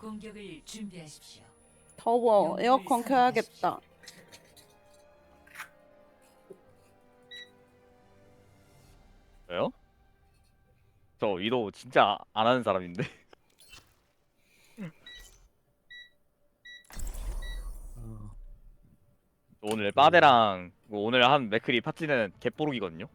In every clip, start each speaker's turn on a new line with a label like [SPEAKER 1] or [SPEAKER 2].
[SPEAKER 1] 공격을 준비하십시오.
[SPEAKER 2] 더워. 에어컨 켜야겠다.
[SPEAKER 3] 왜요? 저 위도 진짜 안 하는 사람인데. 오늘 빠데랑 오늘 한 맥크리 파티는 개뽀록이거든요.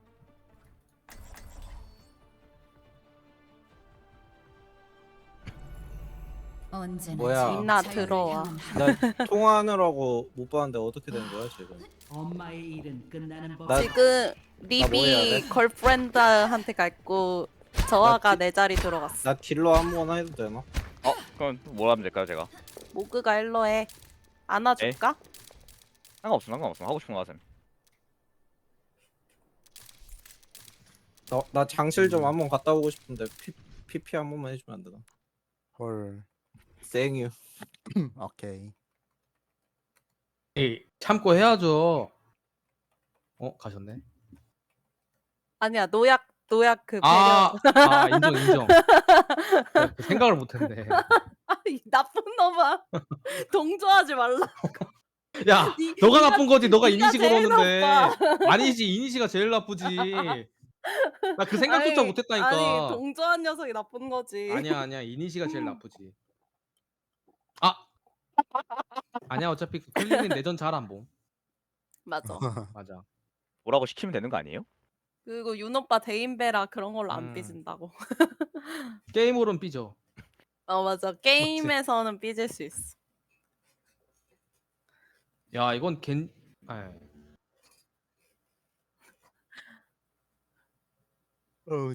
[SPEAKER 1] 언제나
[SPEAKER 4] 뭐야?
[SPEAKER 2] 민나 들어와.
[SPEAKER 4] 나 통화하느라고 못 봤는데 어떻게 된 거야 지금?
[SPEAKER 5] 엄마의 일은 끝나는 법.
[SPEAKER 4] 나-
[SPEAKER 2] 지금
[SPEAKER 4] 뭐 해야
[SPEAKER 2] 립이
[SPEAKER 4] 돼?
[SPEAKER 2] 걸프렌드한테 갔고 저아가
[SPEAKER 4] 나
[SPEAKER 2] 내 자리 들어갔어.
[SPEAKER 4] 나 딜러 아무거나 해도 되나?
[SPEAKER 3] 그럼 뭘 하면 될까요, 제가?
[SPEAKER 2] 모그가 일로 해. 안아줄까?
[SPEAKER 3] 상관없음. 하고 싶은 거 하세요.
[SPEAKER 4] 나 장실 좀 한번 갔다 오고 싶은데 PP 한 번만 해주면 안 되나?
[SPEAKER 6] 헐.
[SPEAKER 4] 생유.
[SPEAKER 6] 오케이.
[SPEAKER 7] 에이, 참고 해야죠. 가셨네.
[SPEAKER 2] 아니야 노약 그 배려.
[SPEAKER 7] 인정. 그 생각을 못했네.
[SPEAKER 2] 이 나쁜 놈아. 동조하지 말라.
[SPEAKER 7] 야,
[SPEAKER 2] 니-
[SPEAKER 7] 너가
[SPEAKER 2] 니가-
[SPEAKER 7] 나쁜 거지. 너가
[SPEAKER 2] 니가
[SPEAKER 7] 이니식으로
[SPEAKER 2] 제일
[SPEAKER 7] 오는데.
[SPEAKER 2] 나빠.
[SPEAKER 7] 아니지, 이니시가 제일 나쁘지. 나 그 생각조차
[SPEAKER 2] 아니,
[SPEAKER 7] 못했다니까.
[SPEAKER 2] 아니 동조한 녀석이 나쁜 거지.
[SPEAKER 7] 아니야. 이니시가 제일 나쁘지. 아니야, 어차피 그 클리는 내전 잘 안 봄.
[SPEAKER 2] 맞아.
[SPEAKER 7] 맞아.
[SPEAKER 3] 뭐라고 시키면 되는 거 아니에요?
[SPEAKER 2] 그리고 윤 오빠 대인배라 그런 걸로 안
[SPEAKER 7] 음.
[SPEAKER 2] 삐진다고.
[SPEAKER 7] 게임으로는 삐져.
[SPEAKER 2] 맞아. 게임에서는 삐질 수 있어.
[SPEAKER 7] 야, 이건
[SPEAKER 6] 어,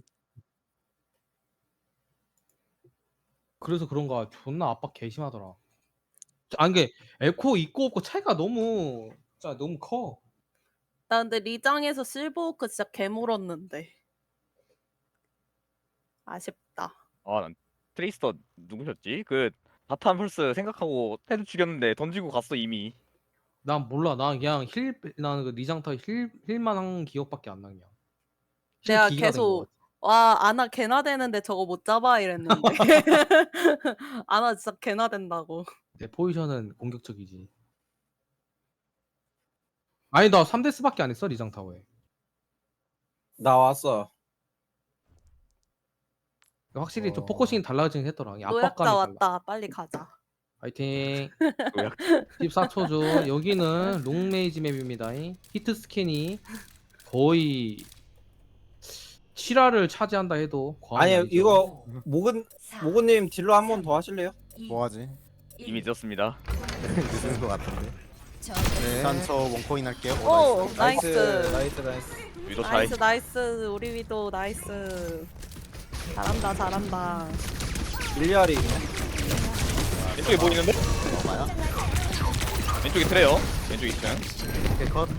[SPEAKER 7] 그래서 그런가 존나 압박 개심하더라. 아니 게 에코 있고 없고 차이가 진짜 너무 커.
[SPEAKER 2] 나 근데 리장에서 실버워크 진짜 개물었는데. 아쉽다.
[SPEAKER 3] 난 트레이스터 누구셨지? 그 바탄 펄스 생각하고 헤드 죽였는데 던지고 갔어 이미.
[SPEAKER 7] 난 몰라. 난 그냥 나는 그 리장타 힐만 한 기억밖에 안 나. 그냥
[SPEAKER 2] 내가
[SPEAKER 7] 기기가 된거
[SPEAKER 2] 계속
[SPEAKER 7] 같아.
[SPEAKER 2] 와 아나 개나 되는데 저거 못 잡아 이랬는데. 아나 진짜 개나 된다고.
[SPEAKER 7] 내 포지션은 공격적이지. 아니 나 3데스밖에 안 했어 리장타워에.
[SPEAKER 4] 나 왔어.
[SPEAKER 7] 확실히 좀 포커싱이 달라지긴 했더라. 이
[SPEAKER 2] 노약자
[SPEAKER 7] 압박감이 달라.
[SPEAKER 2] 왔다. 빨리 가자.
[SPEAKER 7] 파이팅.
[SPEAKER 3] 노약.
[SPEAKER 7] 14초죠. 여기는 롱레이지 맵입니다. 히트 스캔이 거의 7화를 차지한다 해도 과언이
[SPEAKER 4] 아니
[SPEAKER 7] 아니죠.
[SPEAKER 4] 이거 모근님 딜러 한 번 더 하실래요?
[SPEAKER 6] 뭐하지?
[SPEAKER 3] 이미 늦었습니다.
[SPEAKER 6] 늦은 것 같은데.
[SPEAKER 1] 네.
[SPEAKER 6] 일단 저 원코인 할게요.
[SPEAKER 2] 오
[SPEAKER 6] 나이스.
[SPEAKER 2] 나이스.
[SPEAKER 4] 나이스.
[SPEAKER 3] 위도 차이.
[SPEAKER 2] 나이스. 우리 위도 나이스. 잘한다.
[SPEAKER 4] 밀리아리.
[SPEAKER 3] 왼쪽에 보이는데?
[SPEAKER 6] 봐요.
[SPEAKER 3] 왼쪽에 트레요. 왼쪽 2층.
[SPEAKER 6] 오케이 컷.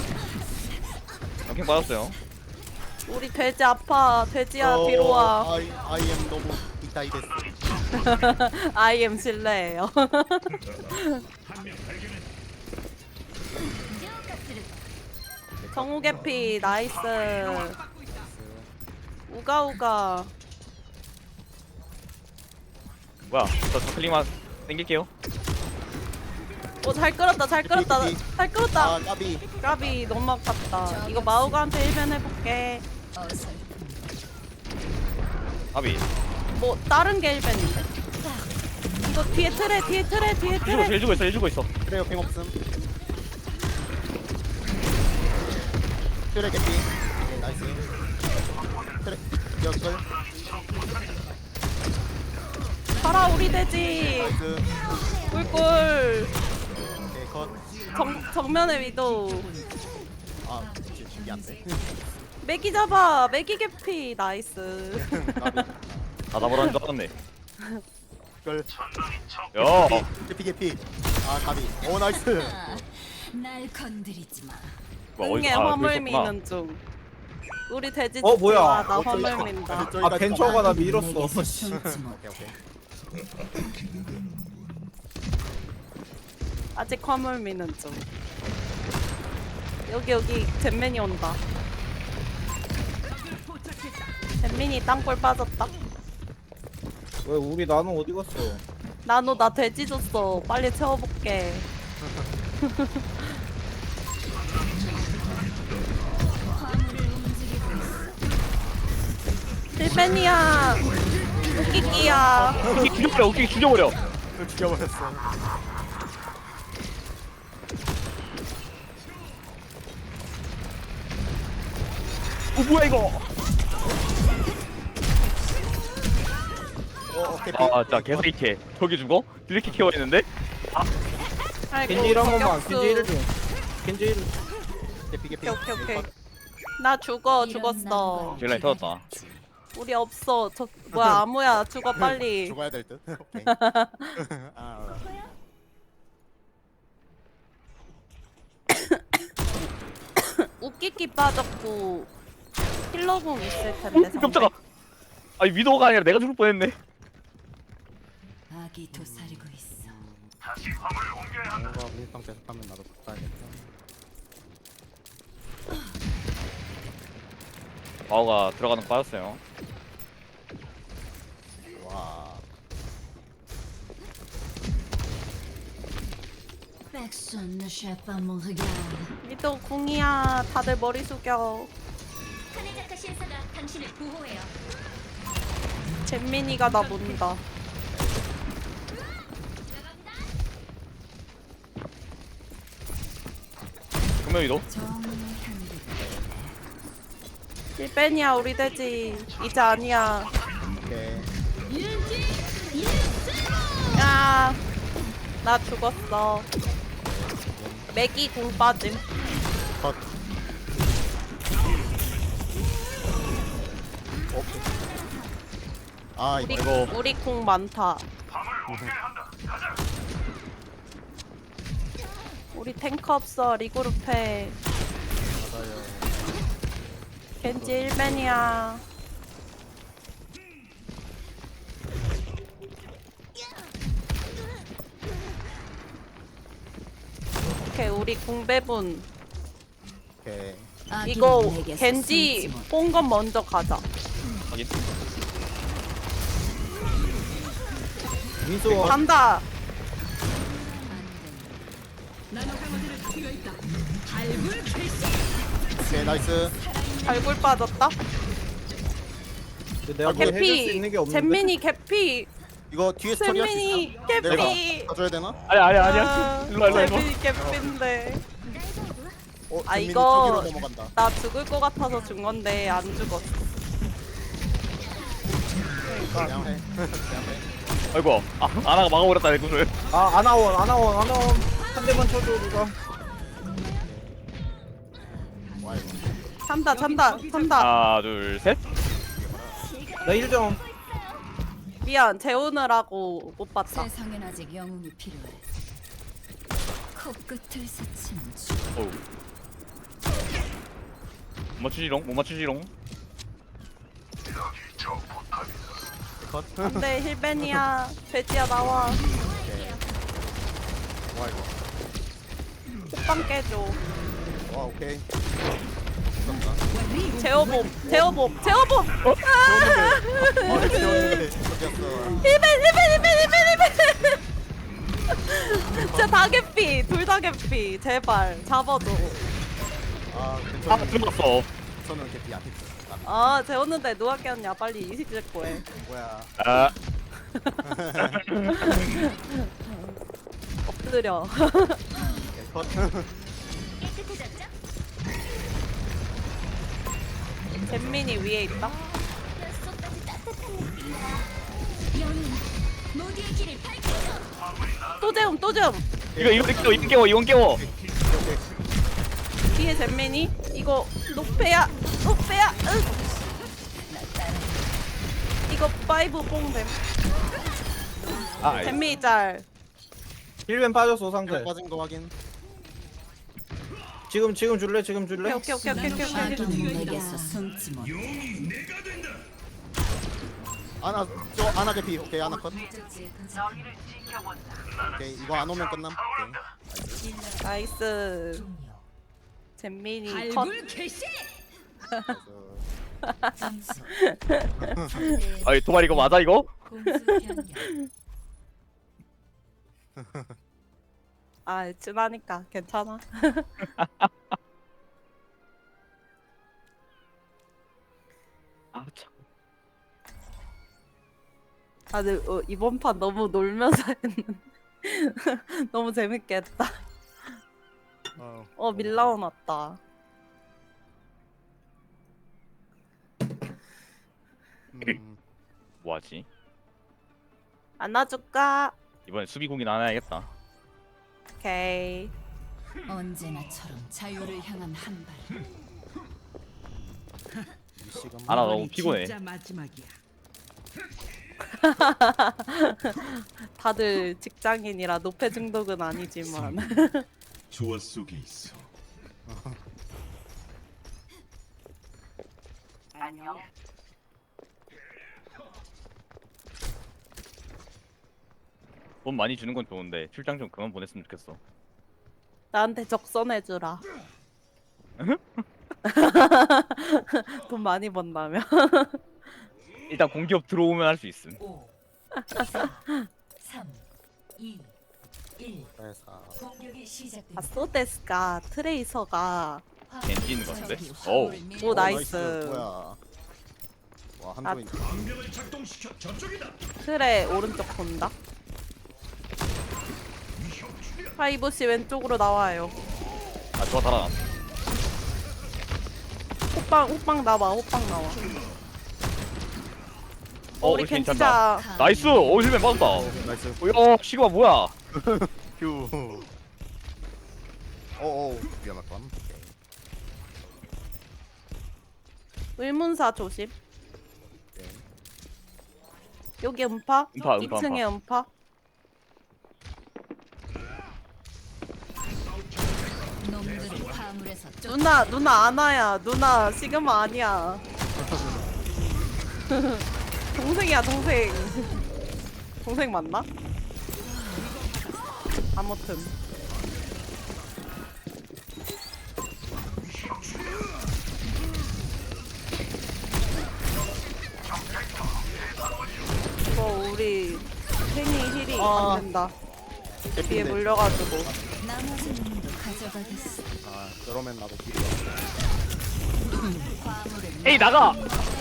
[SPEAKER 3] 경킹 빠졌어요.
[SPEAKER 2] 우리 돼지 아파. 돼지야 뒤로 와.
[SPEAKER 6] 아이엠 너무 이따이 됐어.
[SPEAKER 2] IM 실례예요. 정우개피 나이스. 우가우가.
[SPEAKER 3] 뭐야? 저 클릭만 땡길게요.
[SPEAKER 2] 잘 끌었다. 잘 끌었다.
[SPEAKER 6] 아 까비.
[SPEAKER 2] 까비 너무 아깝다. 이거 마우가한테 1변 해볼게.
[SPEAKER 1] 어서
[SPEAKER 3] 아비.
[SPEAKER 2] 뭐 다른 게 1변인데? 이거 뒤에 틀에.
[SPEAKER 3] 해주고 있어.
[SPEAKER 6] 그래요 屏 없음. 트레 개피. 나이스. 트레 여글.
[SPEAKER 2] 가라 우리 돼지.
[SPEAKER 6] 나이스.
[SPEAKER 2] 꿀꿀.
[SPEAKER 6] 오케이 컷.
[SPEAKER 2] 정면에 위도.
[SPEAKER 6] 아 이게 안 돼.
[SPEAKER 2] 메기 잡아. 메기 개피 나이스.
[SPEAKER 6] 까비.
[SPEAKER 3] 다 잡으라는 줄 알았네.
[SPEAKER 6] 걸.
[SPEAKER 3] 야.
[SPEAKER 6] 개피. 아 까비. 오 나이스.
[SPEAKER 1] 날 건드리지 마.
[SPEAKER 2] 등에 화물 미는 중. 우리 돼지
[SPEAKER 4] 어, 뭐야?
[SPEAKER 2] 좋아. 나
[SPEAKER 6] 어쩌다.
[SPEAKER 2] 화물 민다.
[SPEAKER 4] 아 벤처가 나 밀었어.
[SPEAKER 1] 숨지 못.
[SPEAKER 6] 오케이.
[SPEAKER 2] 아직 화물 미는 중. 여기 젠맨이 온다. 젠민이 땅굴 빠졌다.
[SPEAKER 4] 왜 우리 나는 어디 갔어?
[SPEAKER 2] 나노 나 돼지 줬어. 빨리 채워볼게.
[SPEAKER 1] 화물을 움직이고 있어.
[SPEAKER 2] 실벤이야. 웃기기야.
[SPEAKER 3] 웃기 죽여버려. 웃기 죽여버려.
[SPEAKER 6] 죽여버렸어.
[SPEAKER 3] 뭐야 이거?
[SPEAKER 6] 오케이.
[SPEAKER 3] 아, 자 개사이케. 저기 죽어? 이렇게 케어했는데?
[SPEAKER 2] 아이고,
[SPEAKER 4] 겐지 1 한 번만.
[SPEAKER 2] 저격수.
[SPEAKER 4] 겐지 1 좀. 겐지 1.
[SPEAKER 6] 개피.
[SPEAKER 2] 오케이. 나 죽었어.
[SPEAKER 3] 딜라인 터졌다.
[SPEAKER 2] 우리 없어. 저 뭐야 아무야 죽어 빨리.
[SPEAKER 6] 죽어야 될 듯. 오케이. 아,
[SPEAKER 2] 웃기기 빠졌고 힐러공 있을 텐데. 상대.
[SPEAKER 3] 깜짝아. 아니 위도가 아니라 내가 죽을 뻔했네.
[SPEAKER 1] 악이 도사리고 있어.
[SPEAKER 6] 뭔가 밀빵 계속하면 나도 바꿔야겠다.
[SPEAKER 3] 바오가 들어가는 거 빠졌어요.
[SPEAKER 6] 와.
[SPEAKER 1] Personne ne chape à mon regard.
[SPEAKER 2] 미도 궁이야. 다들 머리 숙여.
[SPEAKER 1] 카네자카 신사가 당신을 보호해요.
[SPEAKER 2] 잼민이가 나 본다.
[SPEAKER 3] 분명 위도.
[SPEAKER 1] 정의의 향기.
[SPEAKER 2] 실벤이야 우리 돼지. 이제 아니야.
[SPEAKER 6] 오케이.
[SPEAKER 2] 야, 나 죽었어. 맥이 공 빠짐.
[SPEAKER 6] 컷. 아,
[SPEAKER 2] 우리
[SPEAKER 6] 이거
[SPEAKER 2] 우리 공 많다. 우리 탱커 없어. 리그룹해.
[SPEAKER 6] 맞아요.
[SPEAKER 2] 겐지 1맨이야. 오케이 우리 궁배분.
[SPEAKER 6] 오케이.
[SPEAKER 2] 이거
[SPEAKER 1] 아기는 내게서
[SPEAKER 2] 겐지
[SPEAKER 1] 숨지 못.
[SPEAKER 2] 뽕건 먼저 가자.
[SPEAKER 3] 확인.
[SPEAKER 4] 민수
[SPEAKER 2] 간다.
[SPEAKER 6] 오케이, 나이스.
[SPEAKER 2] 발굴 빠졌다.
[SPEAKER 4] 내가 뭐 해줄 수
[SPEAKER 2] 개피.
[SPEAKER 4] 있는 게 없는데.
[SPEAKER 2] 잼민이 개피.
[SPEAKER 6] 이거 뒤에서 처리할 수
[SPEAKER 2] 잼민이
[SPEAKER 6] 있어?
[SPEAKER 2] 개피.
[SPEAKER 6] 내가 가져야 되나?
[SPEAKER 3] 아니야. 일로 와.
[SPEAKER 2] 잼민이 개피인데. 아,
[SPEAKER 6] 잼민이
[SPEAKER 2] 이거-
[SPEAKER 6] 저기로 넘어간다.
[SPEAKER 2] 나 죽을 것 같아서 준 건데 안 죽었어.
[SPEAKER 6] 그냥 해. 그냥 해.
[SPEAKER 3] 아이고. 아, 아나가 막아버렸다 내 군을.
[SPEAKER 4] 아 아나원. 한 대만 쳐줘 누가.
[SPEAKER 6] 와, 이거.
[SPEAKER 2] 찬다.
[SPEAKER 3] 하나, 둘, 셋.
[SPEAKER 4] 나 1점.
[SPEAKER 2] 미안 재우느라고 못 봤다.
[SPEAKER 1] 세상엔 아직 영웅이 필요해. 코끝을 스치는 주.
[SPEAKER 3] 어우. 못 맞추지롱.
[SPEAKER 6] 컷.
[SPEAKER 2] 안돼 힐벤이야. 돼지야 나와.
[SPEAKER 6] 와, 이거.
[SPEAKER 2] 호빵 깨줘.
[SPEAKER 6] 와, 오케이.
[SPEAKER 2] 제어봄.
[SPEAKER 6] 아, 재웠는데. 어디였어?
[SPEAKER 2] 힐벤. 진짜 다 개피. 둘 다 개피. 제발 잡아줘.
[SPEAKER 6] 아,
[SPEAKER 3] 아,
[SPEAKER 6] 괜찮아.
[SPEAKER 3] 들어갔어.
[SPEAKER 6] 저는 개피 안 했어.
[SPEAKER 2] 아 재웠는데 누가 깼냐. 빨리 이식 제거 해.
[SPEAKER 6] 뭐야?
[SPEAKER 3] 아,
[SPEAKER 2] 엎드려.
[SPEAKER 6] 오케이, 컷.
[SPEAKER 1] 깨끗해졌죠?
[SPEAKER 2] 잼민이 위에 있다.
[SPEAKER 1] 뼛속까지 따뜻한 느낌이야. 영웅, 모두의 길을 밝혀줘.
[SPEAKER 2] 또 재움.
[SPEAKER 3] 이건 깨워.
[SPEAKER 2] 뒤에 잼민이. 이거 녹배야. 응. 이거 파이브 뽕됨.
[SPEAKER 3] 아,
[SPEAKER 2] 잼민이 짤.
[SPEAKER 4] 1벤 빠졌어 상대.
[SPEAKER 6] 빠진 거 확인.
[SPEAKER 4] 지금 줄래?
[SPEAKER 2] 오케이.
[SPEAKER 1] 아기는 내게서 숨지 못.
[SPEAKER 6] 아나, 아나 개피. 오케이, 아나 컷. 오케이, 이거 안 오면 끝남. 오케이.
[SPEAKER 2] 나이스. 잼민이 컷.
[SPEAKER 1] 개시.
[SPEAKER 6] 그래서
[SPEAKER 1] 점수.
[SPEAKER 3] 아이 도발 이거 맞아 이거?
[SPEAKER 1] 공수 변경.
[SPEAKER 2] 아 친하니까 괜찮아.
[SPEAKER 3] 아 참.
[SPEAKER 2] 아 근데 이번 판 너무 놀면서 했는데 너무 재밌게 했다. 밀라온 왔다.
[SPEAKER 3] 뭐하지?
[SPEAKER 2] 안아줄까?
[SPEAKER 3] 이번엔 수비공이나 하나 해야겠다.
[SPEAKER 2] 오케이.
[SPEAKER 1] 언제나처럼 자유를 향한 한 발.
[SPEAKER 6] 지금
[SPEAKER 3] 아, 나 너무
[SPEAKER 5] 이번이
[SPEAKER 3] 피곤해.
[SPEAKER 5] 진짜 마지막이야.
[SPEAKER 2] 다들 직장인이라 노폐 중독은 아니지만
[SPEAKER 8] 조화 속에 있어.
[SPEAKER 3] 돈 많이 주는 건 좋은데 출장 좀 그만 보냈으면 좋겠어.
[SPEAKER 2] 나한테 적선해주라. 돈 많이 번다며.
[SPEAKER 3] 일단 공기업 들어오면 할 수 있음.
[SPEAKER 1] 5, 4, 3, 2, 1.
[SPEAKER 6] 회사
[SPEAKER 1] 공격이 시작됩니다.
[SPEAKER 2] 아소데스가 트레이서가
[SPEAKER 3] 겐지 있는 것 같은데? 어우.
[SPEAKER 2] 오 나이스.
[SPEAKER 6] 뭐야 와
[SPEAKER 2] 아,
[SPEAKER 6] 한조인
[SPEAKER 2] 트레 오른쪽 본다. 파이브씨 왼쪽으로 나와요.
[SPEAKER 3] 아 좋아 달아났어.
[SPEAKER 2] 호빵 나와. 호빵 나와. 우리
[SPEAKER 3] 우리 괜찮다.
[SPEAKER 2] 겐지자.
[SPEAKER 3] 나이스. 힐맨 맞았다.
[SPEAKER 6] 나이스
[SPEAKER 3] 야 시그마 뭐야?
[SPEAKER 6] 휴 어어 위험할 뻔
[SPEAKER 2] 의문사 조심.
[SPEAKER 6] 오케이.
[SPEAKER 2] 여기 음파.
[SPEAKER 3] 음파,
[SPEAKER 2] 2층에 음파.
[SPEAKER 1] 놈들을 화물에서 쫓.
[SPEAKER 2] 누나 아나야. 누나 시그마 아니야. 동생이야 동생. 동생 맞나? 아무튼 이거 우리 팬이 힐이
[SPEAKER 6] 아.
[SPEAKER 2] 안 된다. 뒤에
[SPEAKER 6] 개핀데.
[SPEAKER 2] 물려가지고.
[SPEAKER 1] 나머지 놈도 가져가겠어.
[SPEAKER 6] 아 저러면 나도 길이
[SPEAKER 1] 화물을
[SPEAKER 3] 에이 나가.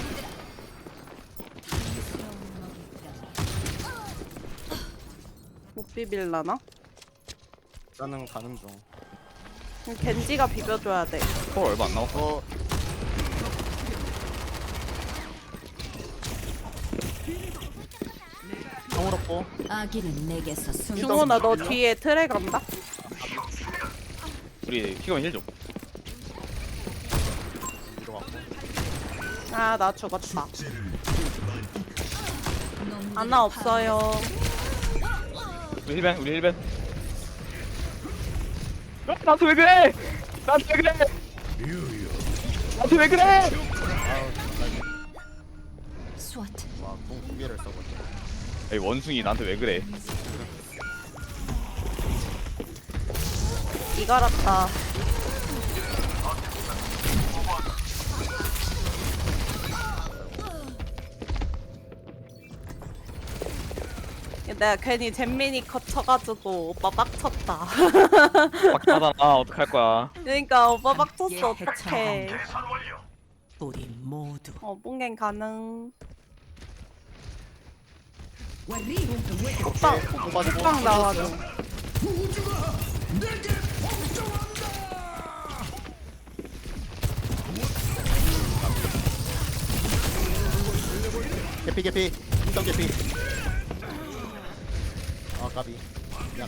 [SPEAKER 2] 못 비빌라나?
[SPEAKER 6] 나는 가는 중
[SPEAKER 2] 그럼 겐지가 비벼줘야 돼.
[SPEAKER 3] 헐 얼마 안 남았어.
[SPEAKER 6] 어 정으롭고
[SPEAKER 1] 아기는 내게서 숨.
[SPEAKER 2] 중호나 너 뒤에 트레 간다?
[SPEAKER 3] 우리 시그마 힐 좀.
[SPEAKER 6] 위로 갔고
[SPEAKER 2] 아 나 죽었다.
[SPEAKER 1] 놈들을
[SPEAKER 2] 아나 없어요.
[SPEAKER 3] 우리 힐맨. 나한테 왜 그래? 나한테 왜 그래? 나한테 왜 그래?
[SPEAKER 1] 스와트.
[SPEAKER 6] 와공 2개를 써버려
[SPEAKER 3] 에이 원숭이 나한테 왜 그래?
[SPEAKER 2] 이갈았다. 내가 괜히 잼민이 컷 쳐가지고 오빠 빡쳤다.
[SPEAKER 3] 빡하잖아. 어떡할 거야?
[SPEAKER 2] 그러니까 오빠 빡쳤어. 어떡해.
[SPEAKER 5] 우리 모두
[SPEAKER 2] 뽕갱 가능.
[SPEAKER 5] 와리
[SPEAKER 2] 호빵 나와줘.
[SPEAKER 6] 개피 인정 개피 아 까비 미안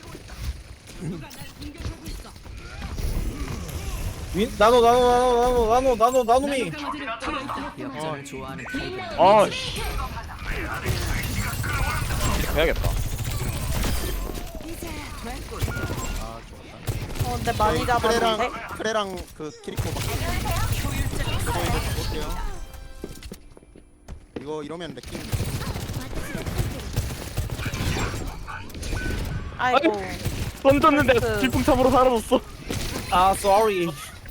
[SPEAKER 4] 나노미.
[SPEAKER 5] 역전을 좋아하는
[SPEAKER 3] 아 씨. 해야겠다.
[SPEAKER 6] 아 좋다
[SPEAKER 2] 근데 많이 잡았는데?
[SPEAKER 6] 크레랑 그 키리코 저거 이제 볼게요 이거 이러면 레킹
[SPEAKER 2] 아이고.
[SPEAKER 3] 던졌는데
[SPEAKER 2] 나이스.
[SPEAKER 3] 질풍참으로 사라졌어.
[SPEAKER 4] 아 sorry.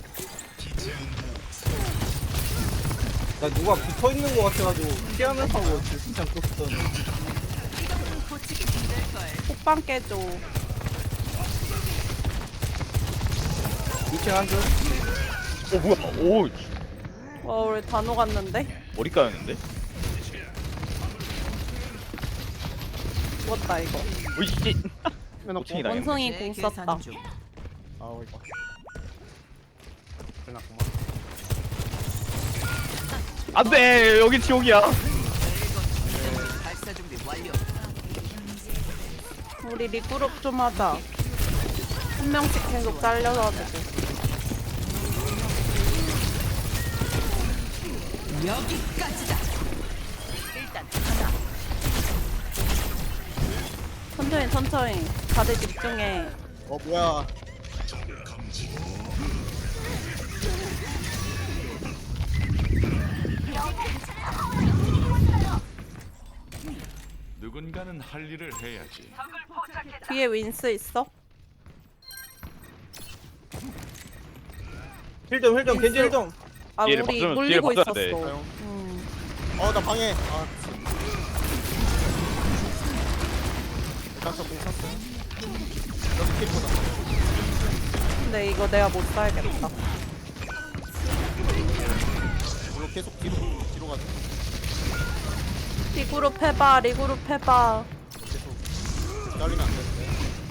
[SPEAKER 4] 나 누가 붙어 있는 거 같아가지고 피하면서 하고 진짜 떴던.
[SPEAKER 2] 톡방 깨줘.
[SPEAKER 4] 2층 한 줄.
[SPEAKER 3] 뭐야? 오
[SPEAKER 2] 와 우리 다 녹았는데?
[SPEAKER 3] 머리 까였는데?
[SPEAKER 2] 죽었다 이거.
[SPEAKER 3] 오이 씨. 고층이 당했네.
[SPEAKER 2] 원성이
[SPEAKER 5] 제
[SPEAKER 2] 공
[SPEAKER 5] 계산
[SPEAKER 2] 썼다.
[SPEAKER 5] 중.
[SPEAKER 6] 아우 이거 끝났구만.
[SPEAKER 3] 안돼 여기 지옥이야.
[SPEAKER 5] 발사 준비 완료.
[SPEAKER 2] 우리 리그룹 좀 하자. 한 명씩 계속 잘려가지고.
[SPEAKER 5] 여기까지다. 일단 하나.
[SPEAKER 2] 천천히 천천히. 다들 집중해.
[SPEAKER 6] 뭐야?
[SPEAKER 8] 누군가는 할 일을 해야지.
[SPEAKER 2] 뒤에 윈스 있어?
[SPEAKER 4] 힐좀 겐지 힐좀.
[SPEAKER 2] 아
[SPEAKER 3] 뒤에를
[SPEAKER 2] 우리
[SPEAKER 3] 봐주면-
[SPEAKER 2] 물리고
[SPEAKER 3] 뒤를
[SPEAKER 2] 있었어.
[SPEAKER 3] 봐줘야 돼.
[SPEAKER 6] 나 방해. 깜짝 쳤어. 여기 킬보다.
[SPEAKER 2] 근데 이거 내가 못 살겠다.
[SPEAKER 6] 이거 계속 뒤로 가자.
[SPEAKER 2] 리그룹 해봐 리그룹 해봐.
[SPEAKER 6] 계속 잘리면 안 되는데.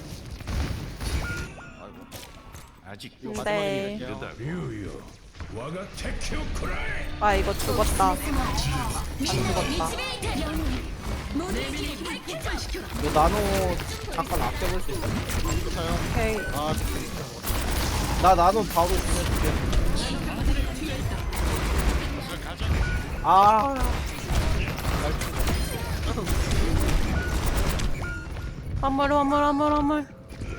[SPEAKER 6] 아이고.
[SPEAKER 8] 아직
[SPEAKER 6] 이거
[SPEAKER 2] 네.
[SPEAKER 6] 마지막에
[SPEAKER 8] 이르다 류요. 와가 테큐쿠라이.
[SPEAKER 2] 아 이거 죽었다. 안 죽었다.
[SPEAKER 4] 너 나노 잠깐 아껴볼 수 있어?
[SPEAKER 2] 오케이.
[SPEAKER 4] 나 나노 바로 보내줄게. 아.
[SPEAKER 2] 화물.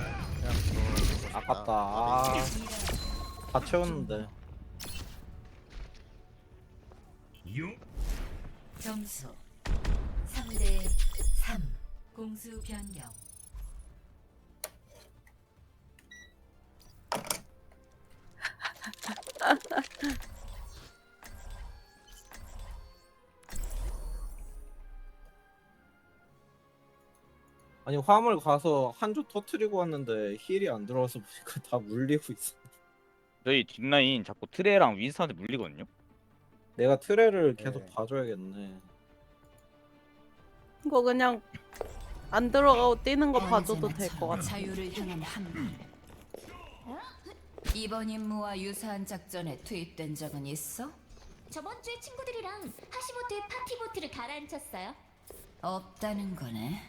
[SPEAKER 4] 아깝다. 아. 다 채웠는데.
[SPEAKER 1] 점수 3대 3. 공수 변경.
[SPEAKER 4] 아니 화물 가서 한 조 터트리고 왔는데 힐이 안 들어와서 보니까 다 물리고 있어.
[SPEAKER 3] 저희 뒷라인 자꾸 트레랑 윈스한테 물리거든요.
[SPEAKER 4] 내가 트레를 계속
[SPEAKER 6] 네.
[SPEAKER 4] 봐줘야겠네.
[SPEAKER 2] 이거 그냥 안 들어가고 뛰는 거 봐줘도 될 것 같아.
[SPEAKER 1] 자유를 향한 한발. 이번 임무와 유사한 작전에 투입된 적은 있어?
[SPEAKER 9] 저번 주에 친구들이랑 하시보트에 파티보트를 가라앉혔어요.
[SPEAKER 1] 없다는 거네.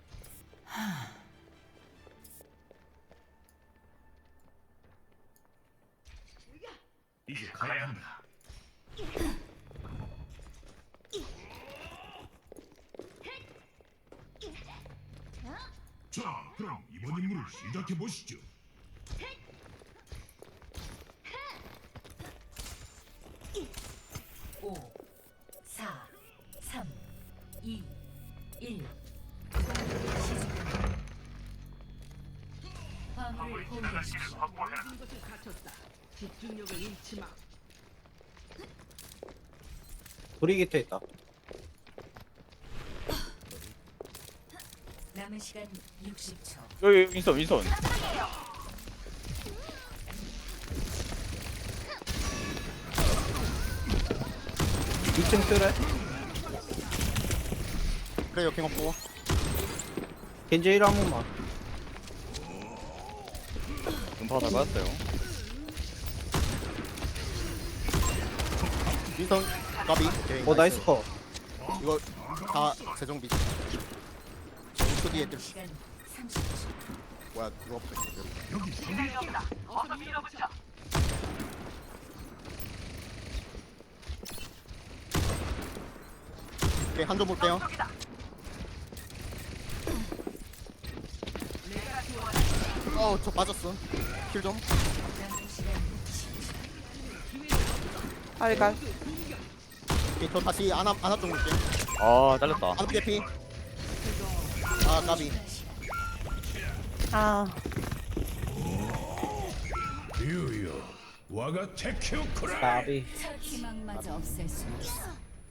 [SPEAKER 8] 이제 가야 한다. 자, 그럼 이번 임무를 시작해 보시죠.
[SPEAKER 1] 5, 4, 3, 2, 1. 화물을 공격하십시오.
[SPEAKER 5] 모든 것을 갖췄다. 집중력을 잃지 마.
[SPEAKER 4] 브리기트 있다.
[SPEAKER 1] 남은 시간 60초.
[SPEAKER 3] 여기 윈선.
[SPEAKER 4] 2층 트레.
[SPEAKER 6] 그래 역행 없고.
[SPEAKER 4] 겐지 힐 한 번만.
[SPEAKER 3] 음파가 다 받았어요.
[SPEAKER 6] 윈성 까비. 오케이,
[SPEAKER 4] 나이스 컷.
[SPEAKER 6] 이거 다 재정비. 정수 뒤에 뜰.
[SPEAKER 1] 시간 30초.
[SPEAKER 6] 뭐야 누가 없어.
[SPEAKER 8] 여기
[SPEAKER 6] 오케이 한점 볼게요. 저 빠졌어. 킬 좀.
[SPEAKER 1] 남은 시간
[SPEAKER 2] 알갈.
[SPEAKER 6] 오케이, 저 다시 아나 좀 볼게.
[SPEAKER 3] 아 잘렸다.
[SPEAKER 6] 아나 개피. 까비.
[SPEAKER 2] 아
[SPEAKER 8] 류요. 와가 테큐쿠라이.
[SPEAKER 4] 나비.
[SPEAKER 1] 첫 희망마저 없앨 수 없어.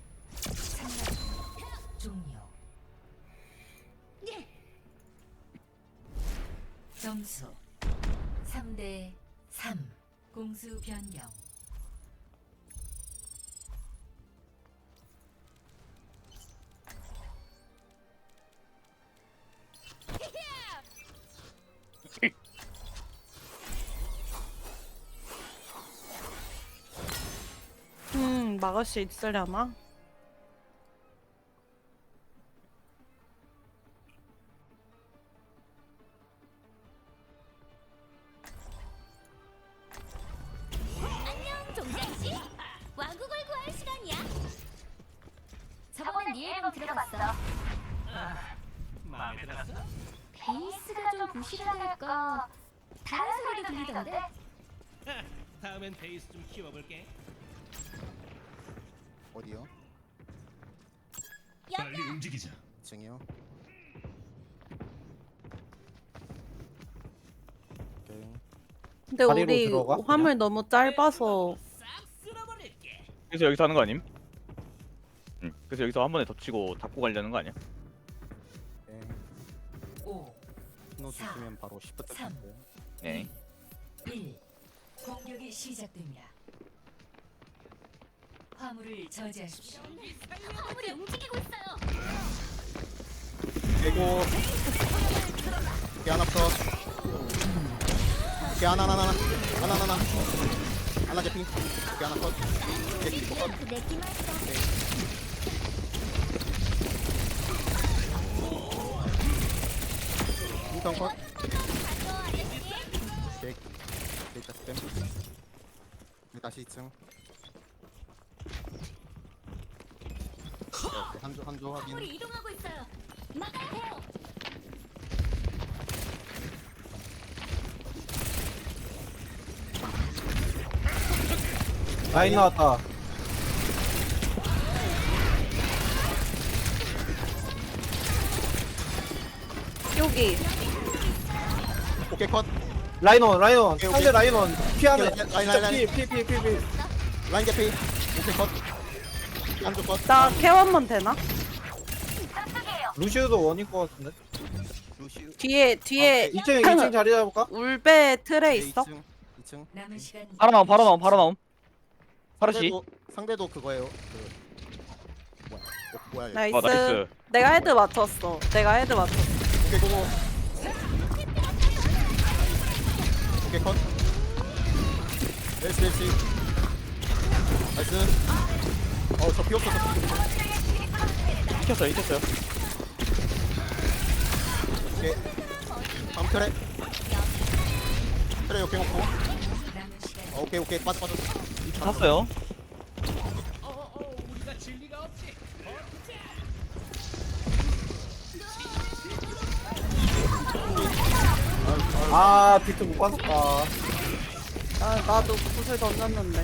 [SPEAKER 1] 상황 종료. 점수 3대 3. 공수 변경.
[SPEAKER 2] 막을 수 있으려나?
[SPEAKER 9] 안녕 종장씨. 왕국을 구할 시간이야. 저번에 네 앨범 들어봤어.
[SPEAKER 5] 마음에 들었어?
[SPEAKER 9] 베이스가 좀 부실하달까. 다른 소리도 들리던데.
[SPEAKER 5] 다음엔 베이스 좀 키워볼게.
[SPEAKER 6] 어디요?
[SPEAKER 8] 빨리 움직이자.
[SPEAKER 6] 2층이요. 오케이.
[SPEAKER 2] 근데
[SPEAKER 4] 다리로
[SPEAKER 2] 우리
[SPEAKER 4] 들어가?
[SPEAKER 2] 화물 너무 짧아서
[SPEAKER 5] 싹 쓸어버릴게.
[SPEAKER 3] 그래서 여기서 하는 거 아님? 응. 그래서 여기서 한 번에 덮치고 잡고 가려는 거 아니야?
[SPEAKER 6] 오케이.
[SPEAKER 1] 5,
[SPEAKER 6] 신호 주시면 바로 시프트
[SPEAKER 1] 삼.
[SPEAKER 6] 킬게요.
[SPEAKER 3] 네.
[SPEAKER 1] 1. 공격이 시작됩니다. 화물을 저지하십시오.
[SPEAKER 9] 화물이 움직이고 있어요.
[SPEAKER 6] 그리고 오케이 하나 더. 오케이 하나 제핑. 오케이 하나 컷. 오케이 리코 컷.
[SPEAKER 9] 그 내기만 했어.
[SPEAKER 6] 인턴 컷. 오케이. 데이터 스팸. 다시 2층. 오케이, 한조 확인.
[SPEAKER 9] 화물이 이동하고 있어요. 막아야 해요.
[SPEAKER 4] 라인 나왔다.
[SPEAKER 2] 여기
[SPEAKER 6] 오케이 컷.
[SPEAKER 4] 라인원
[SPEAKER 6] 오케이,
[SPEAKER 4] 상대
[SPEAKER 6] 오케이.
[SPEAKER 4] 라인원 피하네.
[SPEAKER 6] 오케이, 라인.
[SPEAKER 4] 피.
[SPEAKER 6] 라인 개피. 오케이 컷. 한조 컷.
[SPEAKER 2] 나 케어한번 되나?
[SPEAKER 4] 루시우도 원일 것 같은데.
[SPEAKER 6] 루시우.
[SPEAKER 2] 뒤에
[SPEAKER 4] 2층 자리 잡을까?
[SPEAKER 2] 울베 틀에
[SPEAKER 6] 오케이,
[SPEAKER 2] 있어?
[SPEAKER 6] 2층.
[SPEAKER 1] 남은 시간
[SPEAKER 3] 바로 나옴. 파르시.
[SPEAKER 6] 상대도 그거예요. 뭐야 이거.
[SPEAKER 2] 나이스.
[SPEAKER 3] 나이스.
[SPEAKER 2] 내가 헤드 맞췄어.
[SPEAKER 6] 오케이 고고. 오케이 컷. 멜시. 나이스. 저 피 없어서.
[SPEAKER 3] 이겼어요.
[SPEAKER 6] 오케이. 다음 트레. 트레 오케이 먹고.
[SPEAKER 1] 남은 시간
[SPEAKER 6] 오케이 빠져.
[SPEAKER 3] 샀어요.
[SPEAKER 5] 우리가 진리가 없지.
[SPEAKER 4] 아 비트 못 봤었다.
[SPEAKER 2] 나도 구슬 던졌는데.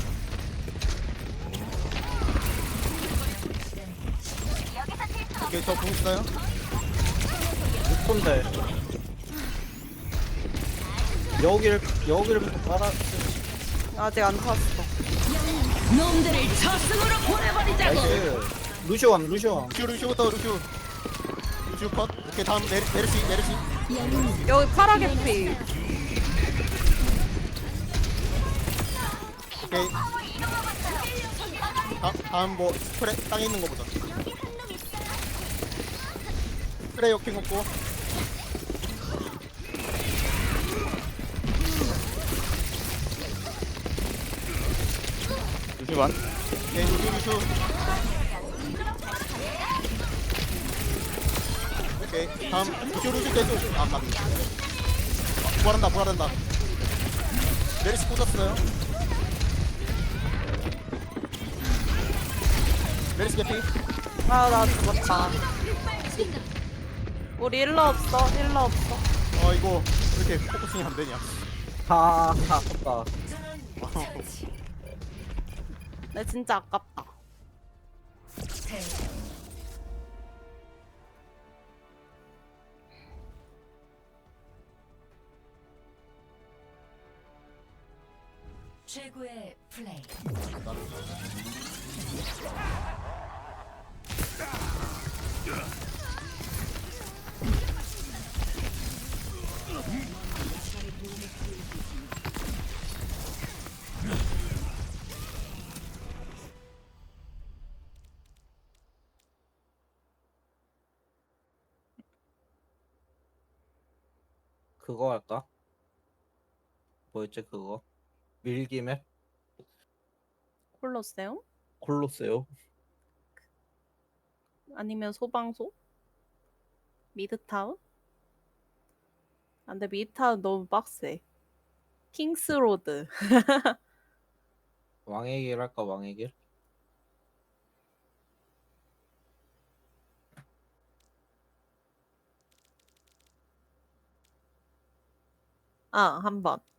[SPEAKER 6] 오케이 저공 있어요.
[SPEAKER 4] 6분대. 여기를부터 깔아.
[SPEAKER 2] 아직 안 탔어.
[SPEAKER 1] 놈들을 저승으로 보내버리자고.
[SPEAKER 4] 나이스. 루시원.
[SPEAKER 6] 루시부터 루시우 컷. 오케이 다음 메르시.
[SPEAKER 2] 여기 파라게 피.
[SPEAKER 6] 오케이. 다음 뭐 스프레 땅에 있는 거 보자. 스프레 오케이 먹고.
[SPEAKER 3] 루시반.
[SPEAKER 6] 오케이 루슈. 오케이 다음 루슈 계속. 아 맞네. 부활한다. 메르시 꽂았어요. 메르시 개피.
[SPEAKER 2] 나 죽었다. 우리 힐러 없어.
[SPEAKER 6] 이거 왜 이렇게 포커싱이 안 되냐.
[SPEAKER 4] 아깝다.
[SPEAKER 2] 내 진짜 아깝다.
[SPEAKER 1] 패. 최고의 플레이.
[SPEAKER 4] 그거 할까? 뭐였지 그거? 밀기맵?
[SPEAKER 2] 콜로세움?
[SPEAKER 4] 콜로세오?
[SPEAKER 2] 아니면 소방소? 미드타운? 안 돼, 미드타운 너무 빡세. 킹스로드.
[SPEAKER 4] 왕의 길 할까 왕의 길?
[SPEAKER 2] 아, 한 번.